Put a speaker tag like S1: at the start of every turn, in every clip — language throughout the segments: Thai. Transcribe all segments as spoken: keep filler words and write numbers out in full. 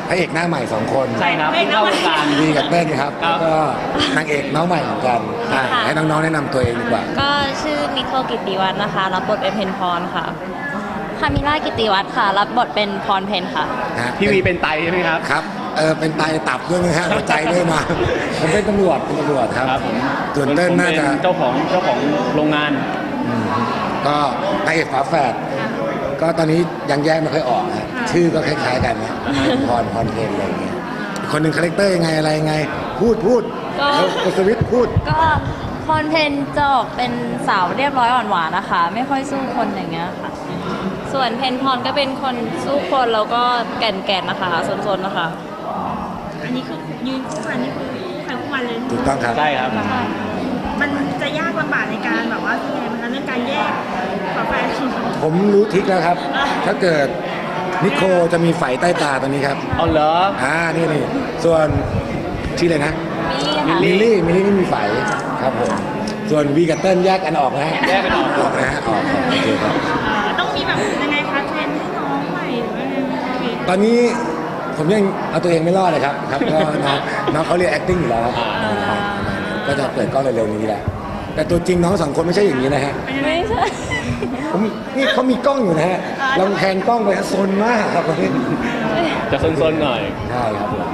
S1: พระเอกหน้าใหม่สองคน
S2: ใช่ครับเพิ่งเข้าวงการ
S1: วีกับเต้นครับ
S2: ครับ
S1: แล้วก็นางเอกน้องใหม่เหมือนกันอ่ะ
S3: ค่ะ
S1: ให้น้องๆแนะนำตัวเองดีกว่า
S3: ก็ชื่อนิโคลกิตติวัฒน์นะคะ รับบทเป็นเพนพรค่ะคามิล่ากิตติวัฒน์ค่ะ รับบทเป็นพรเพนค่ะ
S1: ฮะ
S2: พี่วีเป็นไตใช่ไหมครับ
S1: ครับเออเป็นไตตับด้วยไหมฮะหัวใจด้วยมา ผมเป็นตำรวจเป็นตำรวจครับ
S2: ครับผม
S1: ส่วนเต้นน่าจะ
S2: ผมเป็เจ้าของเจ้าของโรงงาน
S1: ก็พระเอกฝาแฝดก็ตอนนี้ยังแยกไม่ค่อยออกฮะชื่อก็คล้ายๆกันนะพรพรเพนอะไรอย่างเงี้ยอีกคนหนึ่งคาแรคเตอร์ยังไงอะไรยังไง พูดพูด
S3: ก็
S1: แล้วกดสวิตช์พูด
S3: ก็พรเพนจะออกเป็นสาวเรียบร้อยอ่อนหวานนะคะ ไม่ค่อยสู้คนอย่างเงี้ยค่ะ ส่วนเพนพรก็เป็นคนสู้คนแล้วก็แก่นๆนะคะซนๆนะคะ
S4: อันนี้คือยืนคู่กันนี่คือคู่ใครคู่มันเลย
S1: ถูกต้องครับ
S2: ใช่ครับ
S4: มันจะยากลำบากในการแบบว่ายังไงมันคะเรื่องการแยกฝาแฝด
S1: ผมรู้ทริกแล้วครับ ถ้าเกิดนิโคจะมีไฝใต้ตาตัวนี้ครับ
S2: เอาเหรอ
S1: อ่า นี่นี่ ส่วนชื่ออะไรนะ
S3: มิลลี่ค่ะ
S1: มิลลี่ มิลลี่ไม่มีไฝครับผม ส่วนวีกับเติ้ลแยกกันออกนะฮะ
S2: แยกกันออก
S1: ออกนะฮะ ออกออกโอเคครับ
S4: เอ่อต้องมีแบบยังไงคะเทรนให้น้องใหม่หรือว่ายังไงคะพี่
S1: ตอนนี้ผมยังเอาตัวเองไม่รอดเลยครับ ครับ ก็น้องน้องเขาเรียน acting อยู่แล้วครับครับก็จะเปิดกล้องเร็วๆนี้แหละ แต่ตัวจริงน้องสองคนไม่ใช่อย่างนี้นะฮะ
S3: ไม่ใช่
S1: ผมนี่เขามีกล้องอยู่นะฮะลองแพนกล้องไปฮะซนมากครับคนนี้
S2: จะซนๆหน่อย
S1: ใช่ครับผม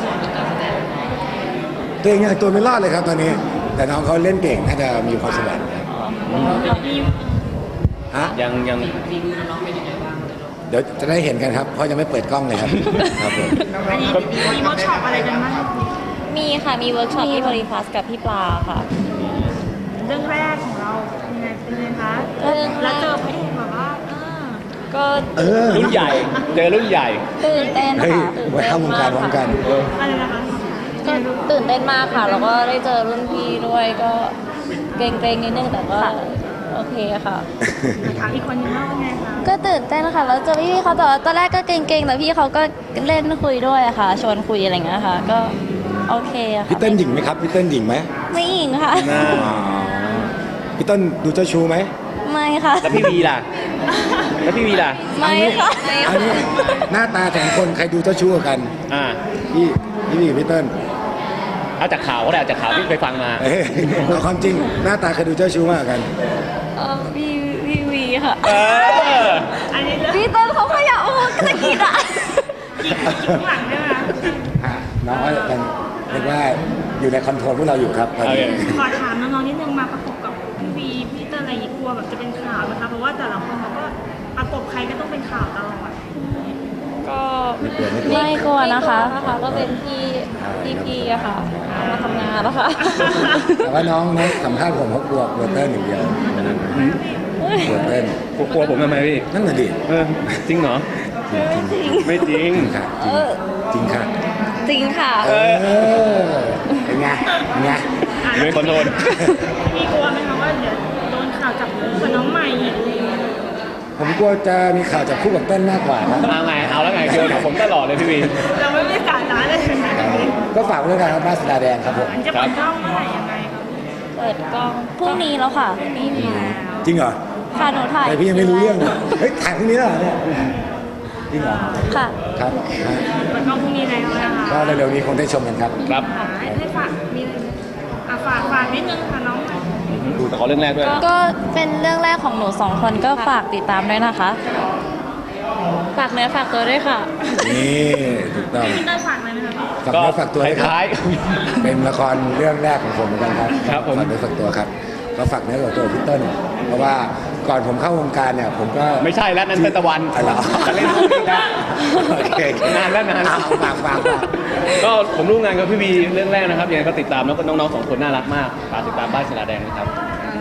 S1: ตัวเองยังตัวไม่รอดเลยครับตอนนี้ แต่น้องเขาเล่นเก่งน่าจะมีความสวรรค์ครับ
S4: มี
S1: ฮะ
S2: ยังยัง
S1: เดี๋ยวจะได้เห็นกันครับ เพราะยังไม่เปิดกล้องเลยครับ ครับผม
S4: อันนี้มีเวิร์กช็อปอะไรกันบ้าง
S3: มีค่ะ มีเวิร์กช็อปที่บริพัสกับพี่ปลาค่ะ
S4: เรื่องแรกของเรายังไงเป็นไงคะ
S3: เรื่องแรก
S4: แล้วเจอพระเอกแบบว่าอ่า
S3: ก็
S1: เออ
S2: รุ่นใหญ่ เจอรุ่นใหญ่
S3: ตื่นเต้น
S1: เฮ้ย
S3: ค่ะตื่น
S1: ไว้
S3: เต้น
S1: เข้าวงการพร้อมกัน
S2: เออ
S4: อะไรนะคะ
S3: ก็ตื่นเต้นมากค่ะ แล้วก็ได้เจอรุ่นพี่ด้วยก็เกรงๆนิดนึงแต่ก็โอเคค่ะ
S4: ถามอีกคนนึงว่าเป็นไงคะ
S3: ก็ตื่นเต้นค่ะแล้วเจอพี่ๆเขาแต่ว่าตอนแรกก็เกรงๆแต่พี่เขาก็เล่นคุยด้วยอะค่ะ ชวนคุยอะไรอย่างเงี้ยค่ะ ก็โอเคอะค่ะ
S1: พี่เต้นหญิงไหมครับ พี่เต้นหญิงไหม
S3: ไม่หญิงค่ะ
S2: น่า
S1: อ๋อพี่เต้นดูเจ้าชู้ไหม
S3: ไม่ค่ะ
S2: แล้วพี่วีล่ะ แล้วพี่วีล่ะ
S3: ไม่ค่ะ
S1: อันนี้หน้าตาสองคนใครดูเจ้าชู้กว่ากัน
S2: อ่า
S1: พี่พี่วีกับพี่เต้น
S2: เอาจากข่าวก็ได้เอาจากข่าวที่เคยฟังมา
S1: เอ้ยเอาความจริงหน้าตาใครดูเจ้าชู้มากกว่ากัน
S3: เออพี่พี่วีค่ะ
S2: เออ
S4: อันนี้เรื่อง
S3: พี่เต้นเขาขยับโอ้ตะกิดอะ
S4: อีกอีกข้างหลังได้ไหมคะ
S1: ฮะน้องก็เป็นเรียกว่าอยู่ในคอนโทรลพวกเราอยู่ครับตอนนี้
S2: โอเค
S4: ขอถามน้องๆนิดนึงมาประกบกับพี่วีพี่เตอร์อะไรอย่างงี้กลัวแบบจะเป็นข่าวนะคะเพราะว่าแต่ละคนเขาก็ประกบใครก็ต้องเป็นข่าวตลอด
S3: ก็
S1: ไม่กลัวไม่กลัว
S3: ไม่กลัวนะคะนะคะก็เป็นพี่พี่พี่อะค่ะมาทำงานแล้วค่ะ
S1: แต่ว่าน้องน้องสัมภาษณ์ผมเขากลัวกลัวเต้นอย่างเดียวกลัวเต้น
S2: กลัวผมทำไมพี่
S1: นั่นน่ะดิ
S2: เออ จริงเหรอ
S1: จริง
S2: ไม่จริง
S1: จริงค่ะ
S3: เออ
S1: จริงค่ะ
S3: จริงค่ะ
S1: เออเป็นไงเป็นไง
S2: เรื่องคอนโทรล
S4: พี่กลัวไหมคะว่าเดี๋ยวโดนข่าวจับคู่กับน้องใหม่อีกอะไรอย่างเงี้ย
S1: ผมกลัวจะมีข่าวจากคู่กับเต้นมากกว่าครับ
S2: เอาไง เอาแล้วไงโยนกับผมตลอดเลยพี่วี
S4: เราไม่ได้สาระเลยนะ
S1: ก็ฝากไว้ด้วยกันครับบ้านสตาร์แดงครับผม
S4: มันจะเปิดกล้องเมื่อไหร่ยังไงครับ
S3: เปิดกล้องพรุ่งนี้แล้วค่ะพรุ่งนี้มี
S1: จริงเหรอ
S3: ค่ะหนูถ่าย
S1: แต่พี่ยังไม่รู้เรื่องเลยเฮ้ยถ่ายพรุ่งนี้แล้วเหรอเนี่ยจริงเหรอ
S3: ค่ะ
S1: ครับฮะ
S4: เปิดกล้องพรุ่งนี้แล้วนะคะ
S1: ก็เร็วๆนี้คงได้ชมกันครับ
S2: ครับ
S4: อ่าให้ฝากมีอะไรไหมอ่ะฝากฝากนิดนึงค่ะน้องใหม่
S2: ดูแต่ขอเรื่องแรกด้วย
S3: ก็เป็นเรื่องแรกของหนูสองคนก็ฝากติดตามด้วยนะคะ ฝากเนื้อฝากตัวด้วยค่ะ
S1: นี่ถูกต้อง
S4: พี่เตอร์ฝากอะไรไหมคะ
S1: ฝากเนื้อฝากตัวด้วยครับ
S2: ท้าย
S1: เป็นละครเรื่องแรกของผมเหมือนกันครับ
S2: ครับผม
S1: ฝากเนื้อฝากตัวครับก็ฝากเนื้อฝากตัวพี่เติ้ลเพราะว่าก่อนผมเข้าวงการเนี่ย ผมก็
S2: ไม่ใช่แล้วนั่นเป็นตะวัน
S1: อะไรเหรอ
S2: จะเล่นพวกนี้นะ
S1: โอเคน
S2: านแล้วนาน
S1: เอาฝากฝากฝาก
S2: ก็ผมร่วมงานกับพี่วีเรื่องแรกนะครับยังไงก็ติดตามแล้วก็น้องๆสองคนน่ารักมากฝากติดตามบ้านศิลาแดงนะครับ